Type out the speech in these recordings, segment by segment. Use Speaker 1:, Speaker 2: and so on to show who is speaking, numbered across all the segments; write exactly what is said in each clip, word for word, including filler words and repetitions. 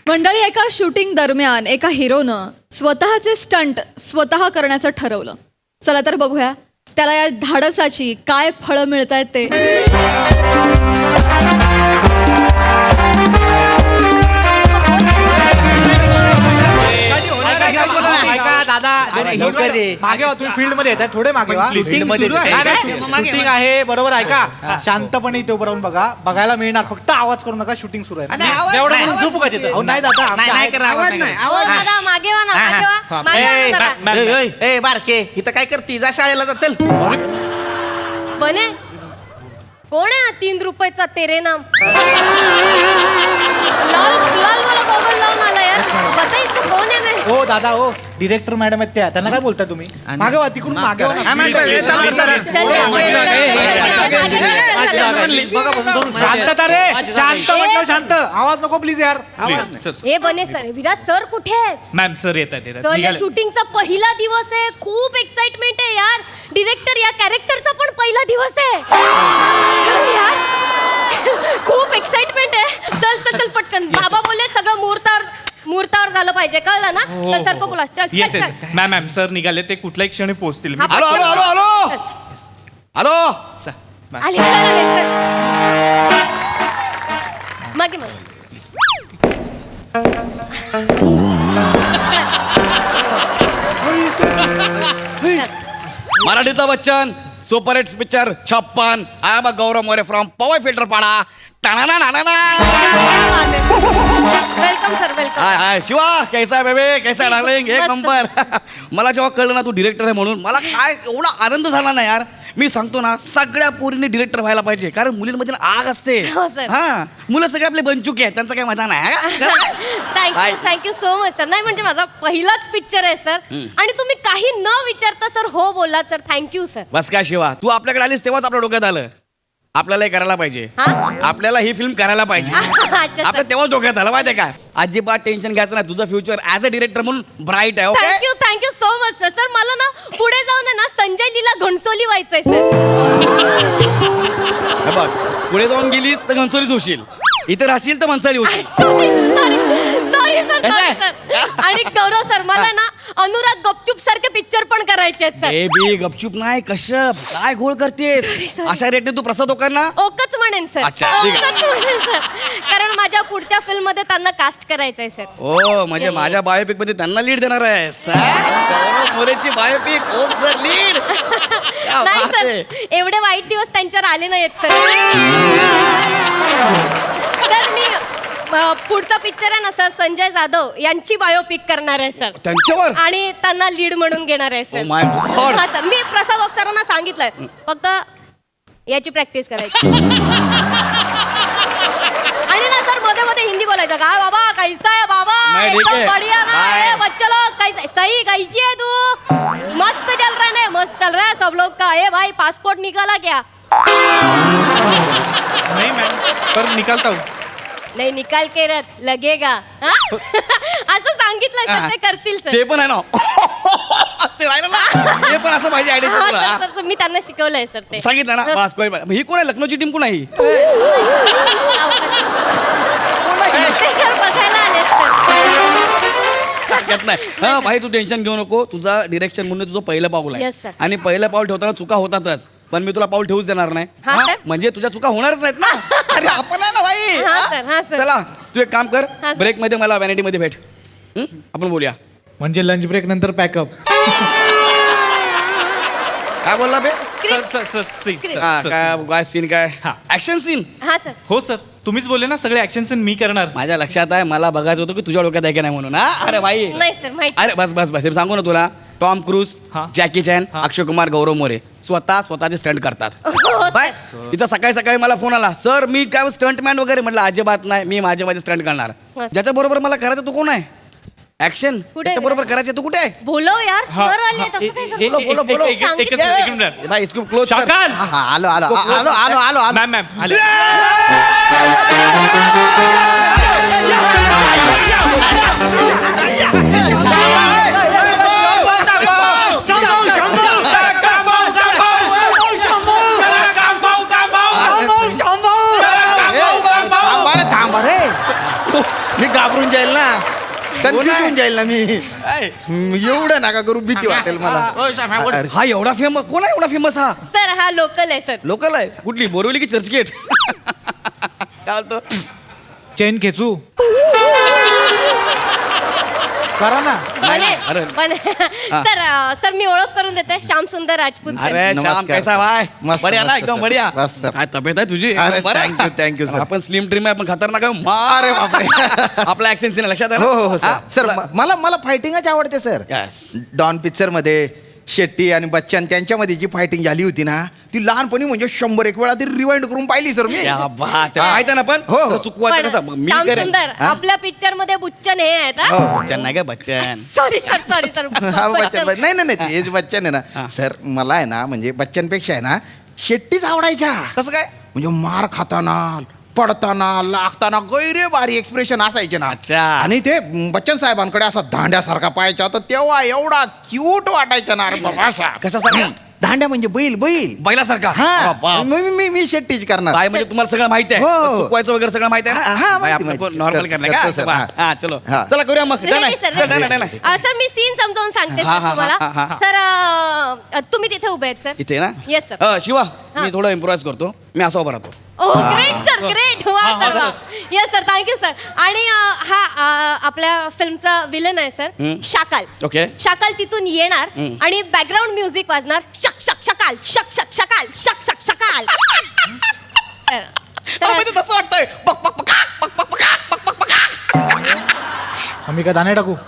Speaker 1: मंडळी, एका शूटिंग दरम्यान एका हिरोनं स्वतःचे स्टंट स्वतः करण्याचं ठरवलं. चला तर बघूया त्याला या धाडसाची काय फळं मिळत आहेत ते.
Speaker 2: दादा मागे वा, तुम्ही फील्ड मध्ये येतात, थोडे मागे वा. शूटिंग आहे बरोबर. ऐका, शांतपणे इथे उभं राहून बघा. बघायला मिळणार, फक्त आवाज करू नका. शूटिंग सुरू आहे.
Speaker 3: एवढं म्हणून झोपू का तिथं?
Speaker 2: अहो नाही दादा, आमच्या
Speaker 3: नाही
Speaker 2: आहे.
Speaker 3: करा, आवाज नाही.
Speaker 4: हो दादा, मागे वा ना, मागे वा, मागे वा ना जरा.
Speaker 3: ए बारके, इथं काय करती? जा शाळेला जा, चल.
Speaker 4: बने कोण आहे हा तीन रुपयाचा तेरे नाम? लाल लाल वाला गॉगल लावून आला यार. बताइस तू कोण आहे मैं?
Speaker 2: हो दादा, हो डिरेक्टर मॅडम आहेत त्या. त्यांना काय बोलता तुम्ही? मागे वा, तिकडून मागे वा.
Speaker 3: हा, मागे वा, ए, चाल, चाल, चाल.
Speaker 4: चल,
Speaker 2: शांतता रे, शांत म्हटलं, शांत. आवाज नको प्लीज यार.
Speaker 4: हे बने सर, विराज सर कुठे आहेत?
Speaker 5: मॅम सर येत आहेत.
Speaker 4: सर, या शूटिंगचा पहिला दिवस आहे. खूप एक्साइटमेंट आहे यार. डिरेक्टर या कॅरेक्टरचा पण पहिला दिवस आहे. चल यार, खूप एक्साइटमेंट आहे. चल चल चल पटकन. बाबा बोलले सगळं मुहूर्तावर मुहूर्तावर झालं पाहिजे, कळलं ना? तर सर को बोला. चल
Speaker 5: येस
Speaker 4: चल
Speaker 5: येस
Speaker 4: चल.
Speaker 5: मॅम मॅम सर निघाले, ते कुठल्याही क्षणी पोहोचतील.
Speaker 4: हा,
Speaker 3: hello hello hello hello hello
Speaker 5: sir, ma'am.
Speaker 4: आले सर, आले सर. मागे मागे.
Speaker 3: मराठीचा बच्चन सुपर हिट पिक्चर छप्पन. I am a Gaurav More from Powai Filter Pada. टाणा ना ना
Speaker 4: welcome sir, welcome.
Speaker 3: Hi hi Shiva, कैसा आहे बेबे, कैसा आहे डार्लिंग? एक नंबर. मला जेव्हा कळलं ना तू डिरेक्टर आहे म्हणून, मला काय एवढा आनंद झाला ना यार. मी सांगतो ना, सगळ्या पोरींनी डिरेक्टर व्हायला पाहिजे, कारण मुलींमध्ये ना आग असते.
Speaker 4: हो, सर.
Speaker 3: हा, मुलं सगळे आपले बनचुके आहेत, त्यांचा काही मजा नाही.
Speaker 4: Thank you thank you so much sir. नाही म्हणजे माझा पहिलाच पिक्चर आहे सर, आणि तुम्ही काही न विचारता सर हो बोललात सर. Thank you sir.
Speaker 3: बस काय शिवा, तू आपल्याकडे आलीस तेव्हाच आपल्या डोक्यात आलं आपल्याला हे करायला पाहिजे.
Speaker 4: हा?
Speaker 3: आपल्याला ही फिल्म करायला पाहिजे.
Speaker 4: अच्छा
Speaker 3: आपल्या तेव्हाच डोक्यात आलं माहितीये काय. अजिबात टेन्शन घ्यायचं नाही. तुझं फ्युचर ऍज अ डिरेक्टर म्हणून ब्राईट आहे. Okay,
Speaker 4: thank you thank you so much sir. Sir मला ना पुढे जाऊन आहे ना संजय लीला घणसोली व्हायचंय सर.
Speaker 3: हे बघ, पुढे जाऊन गेलीस तर घनसोलीच होशील, इथे राहशील तर मनसाली होशील.
Speaker 4: सॉरी सॉरी सॉरी सर,
Speaker 3: कसं आहे?
Speaker 4: Sorry sir. आणि गौरव सर, मला ना अनुराग गपचूप सारखे पिक्चर पण करायचे आहेत सर.
Speaker 3: बेबी गपचूप नाही, कश्यप काय घोळ करतेस?
Speaker 4: sorry.
Speaker 3: अशा रेटने तू प्रसाद लोकांना.
Speaker 4: ओकच म्हणेन सर.
Speaker 3: अच्छा, ठीक आहे.
Speaker 4: ओकच म्हणेन सर, कारण माझ्या पुढच्या फिल्म मध्ये त्यांना कास्ट करायचंय सर.
Speaker 3: ओ म्हणजे माझ्या बायोपिक मध्ये त्यांना लीड देणार आहे. गौरव मोरेची बायोपिक, ओक सर लीड.
Speaker 4: नाही सर, एवढे वाईट दिवस त्यांच्यावर आले नाहीत सर. सर मी अ, पुढचा पिक्चर आहे ना सर, संजय जाधव यांची बायोपिक करणार आहे सर,
Speaker 3: त्यांच्यावर.
Speaker 4: आणि त्यांना लीड म्हणून घेणार आहे
Speaker 3: Oh
Speaker 4: सर.
Speaker 3: my God.
Speaker 4: हा सर, मी प्रसाद ओक सरांना सांगितलंय, फक्त याची प्रॅक्टिस करायची. आणि ना सर मध्ये मध्ये हिंदी बोलायचं. काय बाबा, कैसा है बाबा?
Speaker 3: मैं ठीक है.
Speaker 4: एकदम बढ़िया ना.
Speaker 3: Bye.
Speaker 4: ए, बच्चे लोग कैसे, सही कैसी है तू? मस्त चल रहा है ना, मस्त चल रहा है सब लोग का. ए भाई पासपोर्ट निकाला क्या?
Speaker 5: नाही मॅम, पर निकालता हूँ.
Speaker 4: नाही, निकाल के रख, लगेगा. हा? असं सांगितलं सर, ते करतील सर.
Speaker 3: ते पण आहे ना. ते राहिलं ना, ते पण असं पाहिजे
Speaker 4: हा,
Speaker 3: आयडिया.
Speaker 4: सर, सर, मी त्यांना शिकवलंय सर ते.
Speaker 3: सांगितलं ना बस. कोण ही कोण आहे? लखनौची टीम कोण आहे ही?
Speaker 4: ते सर बघायला आले सर.
Speaker 3: हरकत नाही. हा भाई, तू टेन्शन घेऊ नको. तुझा डिरेक्शन म्हणून तुझं पहिलं पाऊल
Speaker 4: Yes,
Speaker 3: आहे,
Speaker 4: sir.
Speaker 3: आणि पहिलं पाऊल ठेवताना चुका होतातच, पण मी तुला पाऊल ठेवूच देणार नाही.
Speaker 4: हा,
Speaker 3: हा?
Speaker 4: sir.
Speaker 3: म्हणजे तुझ्या चुका होणारच आहेत ना. अरे आपण आहे ना भाई.
Speaker 4: हा,
Speaker 3: हा?
Speaker 4: sir, हा, sir.
Speaker 3: चला तू एक काम कर,
Speaker 4: हा, sir.
Speaker 3: ब्रेक मध्ये मला व्हॅनिटी मध्ये भेट. हं? आपण बोलूया.
Speaker 2: म्हणजे लंच ब्रेक नंतर पॅकअप.
Speaker 3: काय बोलला बे?
Speaker 5: सर सर सर सी
Speaker 3: हा,
Speaker 5: सर
Speaker 3: काय काय सीन काय?
Speaker 5: हा.
Speaker 3: Action scene.
Speaker 4: हा सर.
Speaker 5: हो सर, तुम्हीच बोलले ना सगळे ऍक्शन सीन मी करणार.
Speaker 3: माझ्या लक्षात आहे, मला बघायचं होतं की तुझ्या डोक्यात आहे की नाही म्हणून. हा अरे भाई,
Speaker 4: नाही सर, माहिती.
Speaker 3: अरे बस बस बस. हे सांगू ना तुला, टॉम क्रूज,
Speaker 5: हा.
Speaker 3: जॅकी चॅन,
Speaker 5: हा.
Speaker 3: अक्षय कुमार, गौरव मोरे स्वतः स्वतःचे स्टंट करतात.
Speaker 4: हो, sir.
Speaker 3: बाय. इथं सकाळी सकाळी मला फोन आला, सर मी काय स्टंट मॅन वगैरे. म्हटलं अजिबात नाही, मी माझे माझे स्टंट करणार.
Speaker 4: हा.
Speaker 3: ज्याच्या बरोबर मला करायचं तू कोण आहे? ऍक्शन
Speaker 4: कुठे?
Speaker 3: त्याच्या बरोबर करायचं तू कुठे आहे?
Speaker 4: बोलो यार,
Speaker 5: हा,
Speaker 4: सर आले
Speaker 5: हा,
Speaker 4: तसं
Speaker 5: ए-
Speaker 4: काय
Speaker 5: ए-
Speaker 4: करतो?
Speaker 3: बोलो, बोलो, बोलो.
Speaker 5: एक- एक- एकच मिनिट, एकच मिनिट.
Speaker 3: भाई इसको क्लोज कर.
Speaker 5: शाकाल.
Speaker 3: हा, हा, आलो आलो आलो आलो आलो आलो आलो.
Speaker 5: मॅम मॅम आले.
Speaker 3: थांबा रे, थांबा रे. मी घाबरून जायला
Speaker 6: जाईल ना कन्फ्युज होऊन जाईल ना मी हम्म, एवढं नका करू भीती वाटेल मला अरे,
Speaker 3: हा एवढा फेमस कोण आहे एवढा फेमस हा
Speaker 4: सर हा लोकल आहे सर.
Speaker 3: लोकल आहे कुठली बोरिवली की चर्चगेट काय होतं
Speaker 2: चेन खेचू करा ना
Speaker 4: बने
Speaker 3: अरे.
Speaker 4: बने सर अ, सर मी ओळख करून देते श्याम सुंदर राजपूत सर.
Speaker 3: अरे श्याम
Speaker 6: नमस्कार.
Speaker 3: कैसा भाई
Speaker 6: मस्त,
Speaker 3: बढिया ना
Speaker 6: मस्त,
Speaker 3: एकदम
Speaker 6: सर.
Speaker 3: बढिया
Speaker 6: मस्त.
Speaker 3: काय तब्येत आहे तुझी
Speaker 6: अरे,
Speaker 3: बरं?
Speaker 6: thank you, thank you, sir.
Speaker 3: आपण स्लिम ड्रीम आहे आपण खतरनाक आहे मा-
Speaker 6: अरे बापरे
Speaker 3: आपला ऍक्शन सीन लक्षात आहे
Speaker 6: हो हो हो
Speaker 3: ना?
Speaker 6: सर सर म- मला मला फायटिंगच आवडते सर
Speaker 3: Yes.
Speaker 6: डॉन पिक्चर मध्ये शेट्टी आणि बच्चन त्यांच्यामध्ये जी फायटिंग झाली होती ना ती लहानपणी म्हणजे शंभर एक वेळा ती रिवाइंड करून पाहिली सर मी
Speaker 3: या बात आहे. माहिती आहे ना पण
Speaker 6: हो, हो.
Speaker 3: चुकवायचं
Speaker 4: पण
Speaker 3: कसं मग मी
Speaker 4: श्याम
Speaker 3: करेन
Speaker 4: सुंदर
Speaker 6: हा?
Speaker 4: आपल्या पिक्चर मध्ये बुच्चन हे आहेत
Speaker 6: हो.
Speaker 3: बच्चन नाही का Bachchan
Speaker 4: sorry sir sorry sir
Speaker 6: हा, बच्चन बच्चन- नाही नाही नाही तेच बच्चन आहे ना सर मला आहे ना म्हणजे बच्चनपेक्षा आहे ना शेट्टीच आवडायच्या
Speaker 3: कसं काय
Speaker 6: म्हणजे मार खाताना पडताना लागताना गैरे भारी एक्सप्रेशन असायचे ना
Speaker 3: अच्छा.
Speaker 6: आणि ते बच्चन साहेबांकडे असा दांड्यासारखा पाहायचा तर तेव्हा एवढा क्यूट वाटायचा ना अरे बाबा असा
Speaker 3: कशासारखा?
Speaker 6: दांड्या म्हणजे बैल बैल
Speaker 3: बैलासारखा
Speaker 6: हा
Speaker 3: बाप.
Speaker 6: मी मी- मी मी शेट्टीच करणार
Speaker 3: काय म्हणजे तुम्हाला सगळं माहिती आहे
Speaker 6: हो.
Speaker 3: पण चुकवायचं वगैरे सगळं माहिती आहे
Speaker 6: हा,
Speaker 3: ना
Speaker 6: हा,
Speaker 3: बाई,
Speaker 6: माहिती,
Speaker 3: आपण
Speaker 6: माहिती.
Speaker 3: नॉर्मल
Speaker 6: कर-
Speaker 3: करणार
Speaker 6: करतो, सर.
Speaker 3: का
Speaker 6: हा.
Speaker 3: हा चलो
Speaker 6: हा.
Speaker 3: चला करूया मग डन आहे.
Speaker 4: रेडी सर
Speaker 3: चल, डन आहे, डन आहे.
Speaker 4: अ, सर मी सीन समजावून सांगते
Speaker 3: हा,
Speaker 4: सर
Speaker 3: हा,
Speaker 4: तुम्हाला
Speaker 3: हा, हा.
Speaker 4: सर अ, तुम्ही तिथे उभे आहेत सर
Speaker 3: इथे ना
Speaker 4: Yes, sir.
Speaker 3: अ, शिवा
Speaker 4: हा.
Speaker 3: मी थोडं इम्प्रोवाइज करतो मी असं उभा राहतो
Speaker 4: ओ ग्रेट सर ग्रेट वा सर वा येस सर थँक्यू सर आणि अ, हा अ, आपल्या फिल्मचा विलन आहे सर
Speaker 3: हम्म.
Speaker 4: शाकाल
Speaker 3: ओके
Speaker 4: शाकाल तिथून येणार
Speaker 3: हम्म.
Speaker 4: आणि बॅकग्राऊंड म्युझिक वाजणार शक शक शकाल शक शक शकाल शक शक शकाल सर
Speaker 3: अहो,
Speaker 4: सर
Speaker 3: म्हणजे तसं वाटतंय पक पक पक पक पक पक पक पक पक
Speaker 2: आम्ही काय दाणे टाकू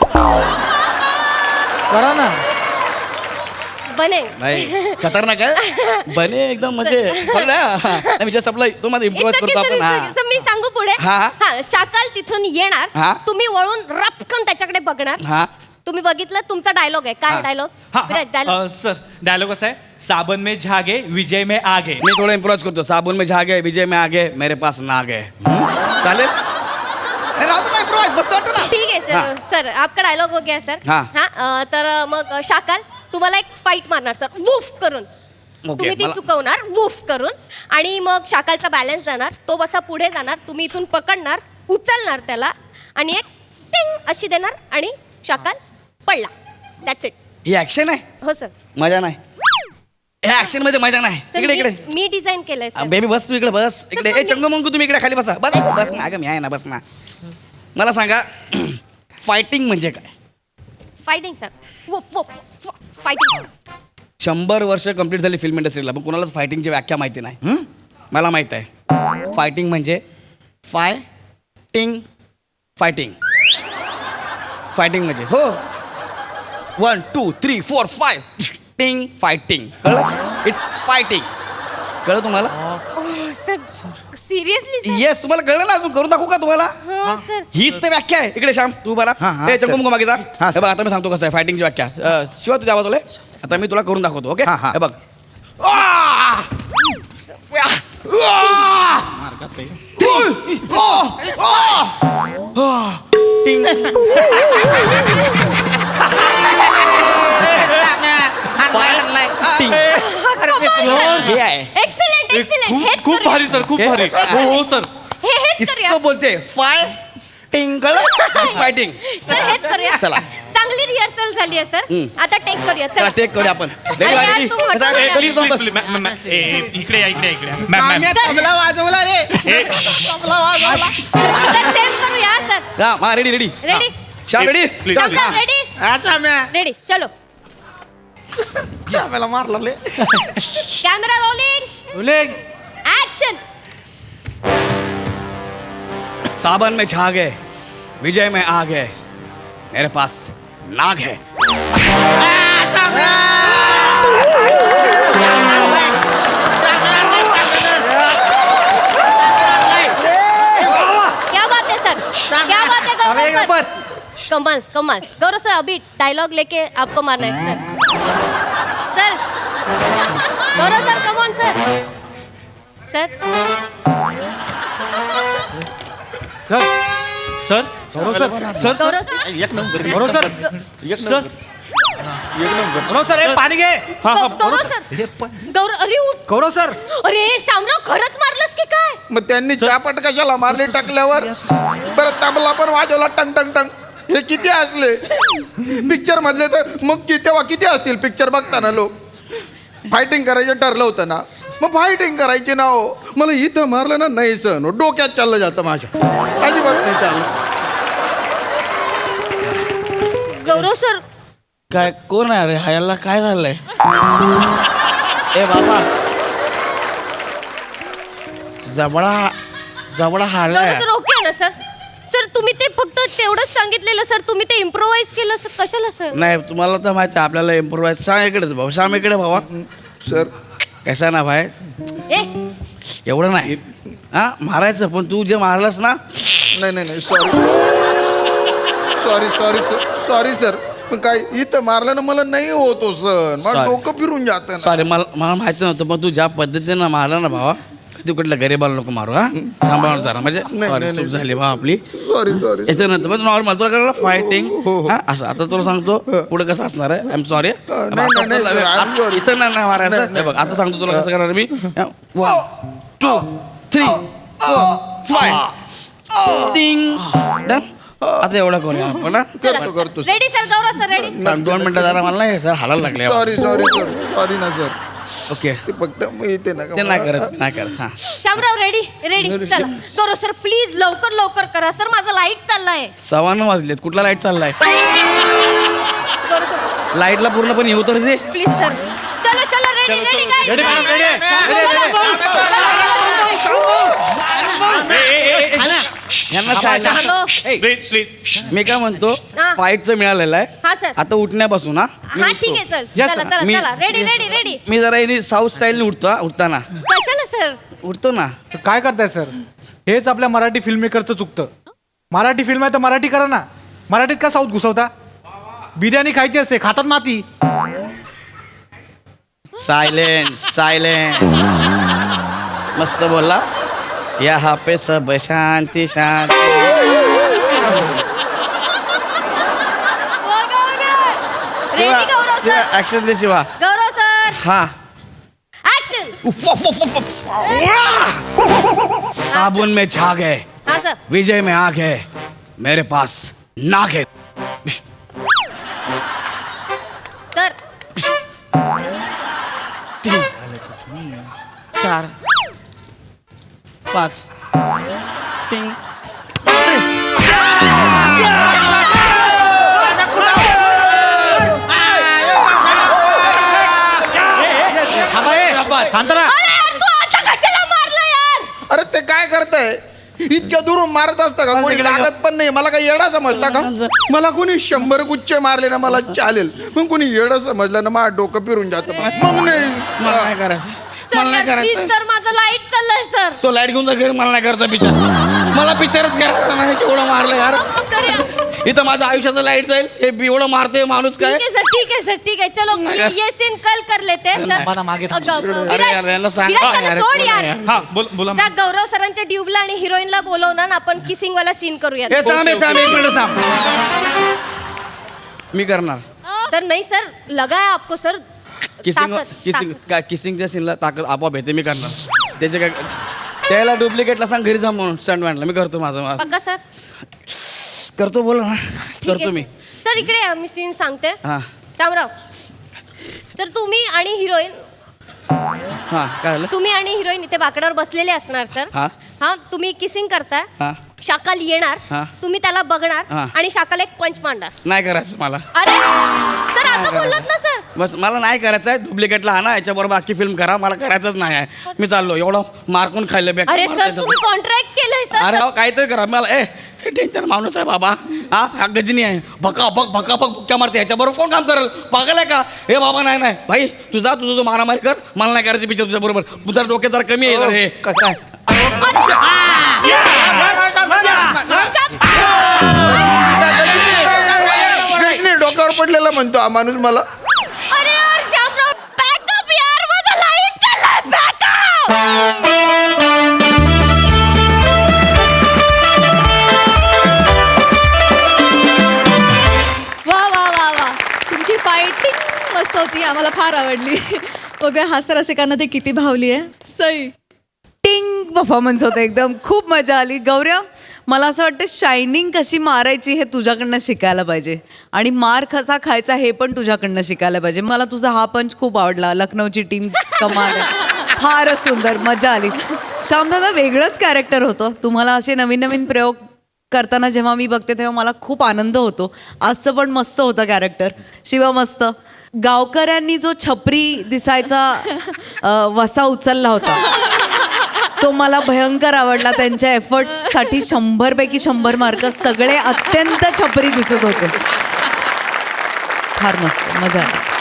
Speaker 2: करा ना
Speaker 4: बने
Speaker 3: नाही खतरनाक आहे बने एकदम म्हणजे बरं ना? मी जस्ट आपलं तो माझं इम्प्रोवाइज
Speaker 4: It's okay,
Speaker 3: करतो
Speaker 4: sir,
Speaker 3: आपण
Speaker 4: it's
Speaker 3: हा
Speaker 4: okay. सर, मी सांगू पुढे
Speaker 3: हा, हा.
Speaker 4: हा शाकाल तिथून येणार
Speaker 3: हा.
Speaker 4: तुम्ही वळून रपकन त्याच्याकडे बघणार
Speaker 3: हा
Speaker 4: तुम्ही बघितलं तुमचा डायलॉग आहे काय डायलॉग डायलॉग
Speaker 5: सर डायलॉग असा आहे साबन में झागे विजय में आगे
Speaker 3: मी थोडं इम्प्रोवाइज करतो साबुन में झागे विजय में आगे मेरे पास नाग है चालेल नाही, राहू दे ना इम्प्रोवाइज मस्त वाटतं ना
Speaker 4: ठीक आहे
Speaker 3: हा.
Speaker 4: सर सर आपका डायलॉग हो गया सर
Speaker 3: हा.
Speaker 4: हा अ, तर अ, मग शाकाल तुम्हाला एक फाईट मारणार सर वूफ करून तुम्ही ती
Speaker 3: मला-
Speaker 4: चुकवणार वूफ करून आणि मग शाकालचा बॅलन्स जाणार तो बसा पुढे जाणार तुम्ही इथून पकडणार उचलणार त्याला आणि एक टिंग अशी देणार आणि शाकाल पडला दॅट्स इट
Speaker 3: ही ऍक्शन आहे
Speaker 4: हो सर
Speaker 3: मजा नाही ह्या ऍक्शन मध्ये मजा नाही
Speaker 4: सर
Speaker 3: इकडे
Speaker 4: मी-
Speaker 3: इकडे
Speaker 4: मी डिझाईन केलंय सर
Speaker 3: बेबी बस तू इकडे बस इकडे
Speaker 4: पण
Speaker 3: ए
Speaker 4: मी-
Speaker 3: चंगू मंगू तुम्ही इकडे खाली बसा बस बस ना अगं मी आहे ना बस ना मला सांगा फायटिंग म्हणजे काय
Speaker 4: fighting sir woof woof fighting
Speaker 3: शंभर वर्ष कंप्लीट झाली फिल्म इंडस्ट्रीला पण कोणालाच फायटिंगची व्याख्या माहिती नाही हं? मला माहित आहे फायटिंग म्हणजे फाय टिंग फायटिंग फायटिंग म्हणजे हो one two three four fighting fighting कळलं इट्स फायटिंग कळलं तुम्हाला
Speaker 4: सर सिरियसली सर
Speaker 3: येस तुम्हाला कळलं ना अजून करून दाखवू का तुम्हाला
Speaker 4: हा सर
Speaker 3: हीच तर व्याख्या आहे इकडे श्याम तू बरा
Speaker 6: हा, हा,
Speaker 3: हे
Speaker 6: सर.
Speaker 3: चंगू मंगू मागे जा
Speaker 6: हा,
Speaker 3: हे बघ आता मी सांगतो कसं आहे फायटिंगची व्याख्या अ, शिवा तुझ्या आवाज आलाय आता मी तुला करून दाखवतो ओके
Speaker 6: हा, हा.
Speaker 3: हे बघ आ! टिंग. हे आहे
Speaker 4: एक्सलेंट एक्सलेंट
Speaker 5: खूप
Speaker 4: हेच
Speaker 5: खूप
Speaker 4: करूया.
Speaker 5: भारी सर खूप भारी हो हो सर
Speaker 4: हे हेच करूया
Speaker 3: इसको बोलते फाय टिंग कळलं फायटिंग
Speaker 4: सर हेच करूया
Speaker 3: चला.
Speaker 4: चांगली रिहर्सल झाली आहे सर
Speaker 3: हम्म.
Speaker 4: आता टेक करूया
Speaker 3: चला
Speaker 4: चला
Speaker 3: टेक करूया आपण
Speaker 4: अरे यार,
Speaker 3: Ready?
Speaker 4: तू म्हटलं
Speaker 3: कसं आहे?
Speaker 4: ना.
Speaker 3: Please don't
Speaker 5: Please,
Speaker 3: बस.
Speaker 5: please, मॅम, मॅम, ए, ए, इकडे या इकडे या, इकडे या. मॅम मॅम
Speaker 4: सर
Speaker 6: तबला वाजवला रे
Speaker 5: ए,
Speaker 6: तबला वाजवला
Speaker 4: आता सेम करूया सर
Speaker 3: हा मा ready ready
Speaker 4: ready
Speaker 3: Shyam ready
Speaker 5: Please,
Speaker 3: चल.
Speaker 5: please.
Speaker 4: रेडी
Speaker 6: अच्छा म्या
Speaker 4: रेडी चलो
Speaker 6: मला मारला ले
Speaker 4: कॅमेरा रोलिंग
Speaker 2: उलेग
Speaker 4: ऍक्शन
Speaker 3: सावन में छा गए विजय में आ गए मेरे पास नाग है
Speaker 4: क्या बात है सर क्या बात है गौरव सर कमाल कमाल गौरव सर अभी डायलॉग लेके आपको मारना है sir sir Gaurav sir come on sir sir
Speaker 2: sir
Speaker 5: sir
Speaker 2: Gaurav sir
Speaker 5: sir
Speaker 4: Gaurav sir
Speaker 6: एक number
Speaker 2: Gaurav sir
Speaker 5: sir
Speaker 2: Gaurav sir हे पाणी घे
Speaker 4: गौ- गौरव सर
Speaker 2: हे पण
Speaker 4: गौरव अरे उठ.
Speaker 2: गौरव सर
Speaker 4: अरे शामराव खरंच मारलंस की काय
Speaker 6: मग त्यांनी चापट कशाला मारले टाकल्यावर परत तबला पण वाजवला टंग टंग टंग. हे किती असले पिक्चर मधले तर मग कि- तेव्हा किती असतील पिक्चर बघताना लोक. फायटिंग करायचं ठरलं होतं ना मग फायटिंग करायची ना हो. मला इथं मारलं ना नाही सण डोक्यात चाललं जातं माझ्या अजिबात नाही चाललं.
Speaker 4: गौरव सर
Speaker 3: काय कोण आहे रे ह्याला काय झालंय ए बाबा जबडा जबडा हाडलाय
Speaker 4: गौरव सर ओके आहे ना सर सर तुम्ही ते फक्त तेवढंच सांगितलेलं सर तुम्ही ते इम्प्रोवाइज केलं सर कशाला सर
Speaker 3: नाही तुम्हाला तर माहिती आहे आपल्याला इम्प्रोवाइज सांग इकडेच भाऊ सांग इकडे भावा
Speaker 6: सर
Speaker 3: कसा ना भाई
Speaker 4: ए
Speaker 3: एवढं नाही हा मारायचं पण तू जे मारलंस ना
Speaker 6: नाही नाही नाही sorry sorry sorry sir sorry sir पण काय इथं मारलं ना मला नाही होतो सर मला
Speaker 3: Sorry.
Speaker 6: डोकं फिरून जातं ना.
Speaker 3: सॉरी मला मला माहिती नव्हतं पण तू ज्या पद्धतीनं मारला ना भावा कधी कुठल्या गरीबाला नको मारू हा सांभाळून जरा म्हणजे
Speaker 6: नाही,
Speaker 3: सॉरी
Speaker 6: नाही,
Speaker 3: चूक
Speaker 6: नाही.
Speaker 3: झाली भावा आपली
Speaker 6: सॉरी सॉरी
Speaker 3: याच्यानंतर पण नॉर्मल तुला करायला फायटिंग
Speaker 6: हो, हो.
Speaker 3: हा असं आता तुला सांगतो पुढे कसं असणार आहे आय एम सॉरी
Speaker 6: नाही, नाही, नाही, sir, I'm sorry.
Speaker 3: इथं नाही नाही मारायचं
Speaker 6: नाही,
Speaker 3: हे बघ आता सांगतो तुला कसं करणार मी one two three four fighting done आता एवढं करूया आपण हा?
Speaker 6: करतो करतो
Speaker 4: ready sir Gaurav sir ready
Speaker 3: पण दोन मिनिटं जरा मला नाही सर हालायला लागले
Speaker 6: सॉरी सॉरी सर सॉरी ना सर
Speaker 3: ओके
Speaker 6: ते फक्त मी इथे नका
Speaker 3: ते नाही करत नाही करत हा
Speaker 4: शामराव रेडी रेडी चला गौरव सर प्लीज लवकर लवकर करा सर माझा लाईट चाललाय
Speaker 3: सव्वा नऊ वाजलेत कुठला लाईट चाललाय
Speaker 4: गौरव सर
Speaker 3: लाईटला पूर्णपणे येऊ तर दे
Speaker 4: प्लीज सर चलो चलो ready ready guys
Speaker 2: Ready, madam, ready.
Speaker 3: यांना सांगा.
Speaker 4: हॅलो
Speaker 5: प्लीज प्लीज
Speaker 3: मी काय म्हणतो
Speaker 4: हा.
Speaker 3: फाईटचं मिळालेलं आहे
Speaker 4: हा सर
Speaker 3: आता उठण्यापासून हा मी
Speaker 4: हा
Speaker 3: उठतो.
Speaker 4: ठीक आहे चल
Speaker 2: Yes,
Speaker 4: चला
Speaker 2: sir.
Speaker 4: चला
Speaker 3: मी-
Speaker 4: चला रेडी रेडी रेडी
Speaker 3: मी जरा यांनी साऊथ स्टाईलने उठतो हा, उठताना
Speaker 4: कशाला सर
Speaker 3: उठतो ना
Speaker 2: काय करताय सर हेच आपल्या मराठी फिल्म मेकरचं चुकतं मराठी फिल्म आहे तर मराठी करा ना मराठीत का साऊथ घुसवता बिर्याणी खायची असते खातात माती
Speaker 3: सायलेन्स सायलेन्स मस्त बोलला यहाँ पे सब शांती शांती
Speaker 4: रेडी गौरव सर
Speaker 3: ऍक्शन दे शिवा
Speaker 4: गौरव सर
Speaker 3: हा
Speaker 4: ऍक्शन
Speaker 3: उफ, उफ, उफ, उफ, उफ. साबुन में झाग है
Speaker 4: हा सर
Speaker 3: विजय में आग है मेरे पास नाग है
Speaker 4: सर
Speaker 3: तीन चार पाच टिंग
Speaker 2: थांबा, ए, शांत राहा.
Speaker 4: अरे यार तू आता कशाला मारलं यार
Speaker 6: अरे ते काय करताय इतक्या दुरून मारत असतं का कोणी लागत पण नाही मला काही येडा समजता का मला कोणी शंभर गुच्छ मारले ना मला चालेल पण कोणी येडा समजलं ना माझं डोकं फिरून जातं मग नाही
Speaker 3: मला नाही करायचं
Speaker 4: सर
Speaker 3: मला नाही
Speaker 4: यार प्लीज
Speaker 3: करायचं
Speaker 4: सर माझं लाईट चाललंय सर
Speaker 3: तो लाईट घेऊन जा घरी मला नाही करायचा पिक्चर मला पिक्चरच करायचा नाही केवढं मारलं यार
Speaker 4: सर यार
Speaker 3: इथं माझं आयुष्याचं लाईट जाईल हे एवढं मारते माणूस काय
Speaker 4: ठीक है सर ठीक है सर ठीक है चलो ये, ये सीन कल कर लेते हैं सर
Speaker 2: मला मागे थांब.
Speaker 4: अ, ग-
Speaker 3: अरे यार, यांना
Speaker 4: विराज
Speaker 3: सांग.
Speaker 4: विराज, त्याला
Speaker 3: अरे,
Speaker 4: सोड
Speaker 3: कोण आहे
Speaker 4: यार
Speaker 3: यार?
Speaker 5: हा बोल बोला
Speaker 4: जा गौरव सरांच्या ट्यूबला आणि हिरोईनला बोलवणार ना आपण किसिंग वाला सीन करूया
Speaker 3: हे थांब हे थांब एक मिनिट थांब मी करणार
Speaker 4: सर नाही सर लगा है आपको सर
Speaker 3: किसिंग
Speaker 4: ताकद,
Speaker 3: किसिंग
Speaker 4: ताकद.
Speaker 3: काय किसिंगच्या सीनला ताकद आपोआप येते मी करणार त्याचे काय त्याला डुप्लिकेटला सांग घरी जा म्हणून स्टंटमॅनला मी करतो माझं माझं
Speaker 4: पक्का सर
Speaker 3: करतो बोला ना
Speaker 4: ठीक
Speaker 3: करतो
Speaker 4: आहे
Speaker 3: मी
Speaker 4: सर इकडे या, मी सीन सांगते
Speaker 3: हां
Speaker 4: शामराव सर तुम्ही आणि हिरोईन
Speaker 3: हां काय झालं
Speaker 4: तुम्ही आणि हिरोईन इथे बाकडावर बसलेले असणार सर
Speaker 3: हा.
Speaker 4: हा तुम्ही किसिंग करताय
Speaker 3: हां
Speaker 4: शाकाल येणार
Speaker 3: हा.
Speaker 4: तुम्ही त्याला बघणार
Speaker 3: हा.
Speaker 4: आणि शाकाल एक पंच मांडणार
Speaker 3: नाही करायचं मला
Speaker 4: अरे सर आता बोललात ना सर
Speaker 3: बस मला नाही करायचं आहे डुप्लिकेटला आणा याच्याबरोबर बाकी फिल्म करा मला करायचंच नाही आहे मी चाललो एवढं मारकून खाल्लं बेकार
Speaker 4: अरे
Speaker 3: मारतंय
Speaker 4: सर
Speaker 3: तसं.
Speaker 4: तुम्ही कॉन्ट्रॅक्ट केलंय सर
Speaker 3: अरे अहो काहीतरी करा मला ए हे टेन्शन माणूस आहे बाबा हा हा गजनी आहे भका भक भका भक बुक्क्या मारते ह्याच्याबरोबर कोण काम करेल पागल आहे का हे बाबा नाही नाही भाई तुझा तुझं जो मारामारी कर मला नाही करायचं पिक्चर तुझ्या बरोबर तुझा डोक्यात जरा कमी आहे जरा हे काय काय
Speaker 6: गजनी डोक्यावर पडलेला म्हणतो हा माणूस मला
Speaker 4: अरे यार शामराव बॅकअप यार माझा लाईट चाललाय बॅकअप
Speaker 1: वा वा वा वा तुमची फाईट मस्त होती, आम्हाला फार आवडली. बघूया हास्य रसिकांना ती किती भावली आहे. सई
Speaker 7: टिंग परफॉर्मन्स होतं एकदम, खूप मजा आली. गौरव, मला असं वाटतं शायनिंग कशी मारायची हे तुझ्याकडनं शिकायला पाहिजे आणि मार कसा खायचा हे पण तुझ्याकडनं शिकायला पाहिजे. मला तुझा हा पंच खूप आवडला. लखनौची टीम कमाल आहे, फारच सुंदर, मजा आली. श्यामदादा वेगळंच कॅरेक्टर होतं. तुम्हाला असे नवीन नवीन प्रयोग करताना जेव्हा मी बघते तेव्हा मला खूप आनंद होतो. आजचं पण मस्त होतं कॅरेक्टर. शिवा मस्त. गावकऱ्यांनी जो छपरी दिसायचा अ, वसा उचलला होता तो मला भयंकर आवडला. त्यांच्या एफर्ट्ससाठी शंभर पैकी शंभर मार्क. सगळे अत्यंत छपरी दिसत होते. फार मस्त, मजा आली.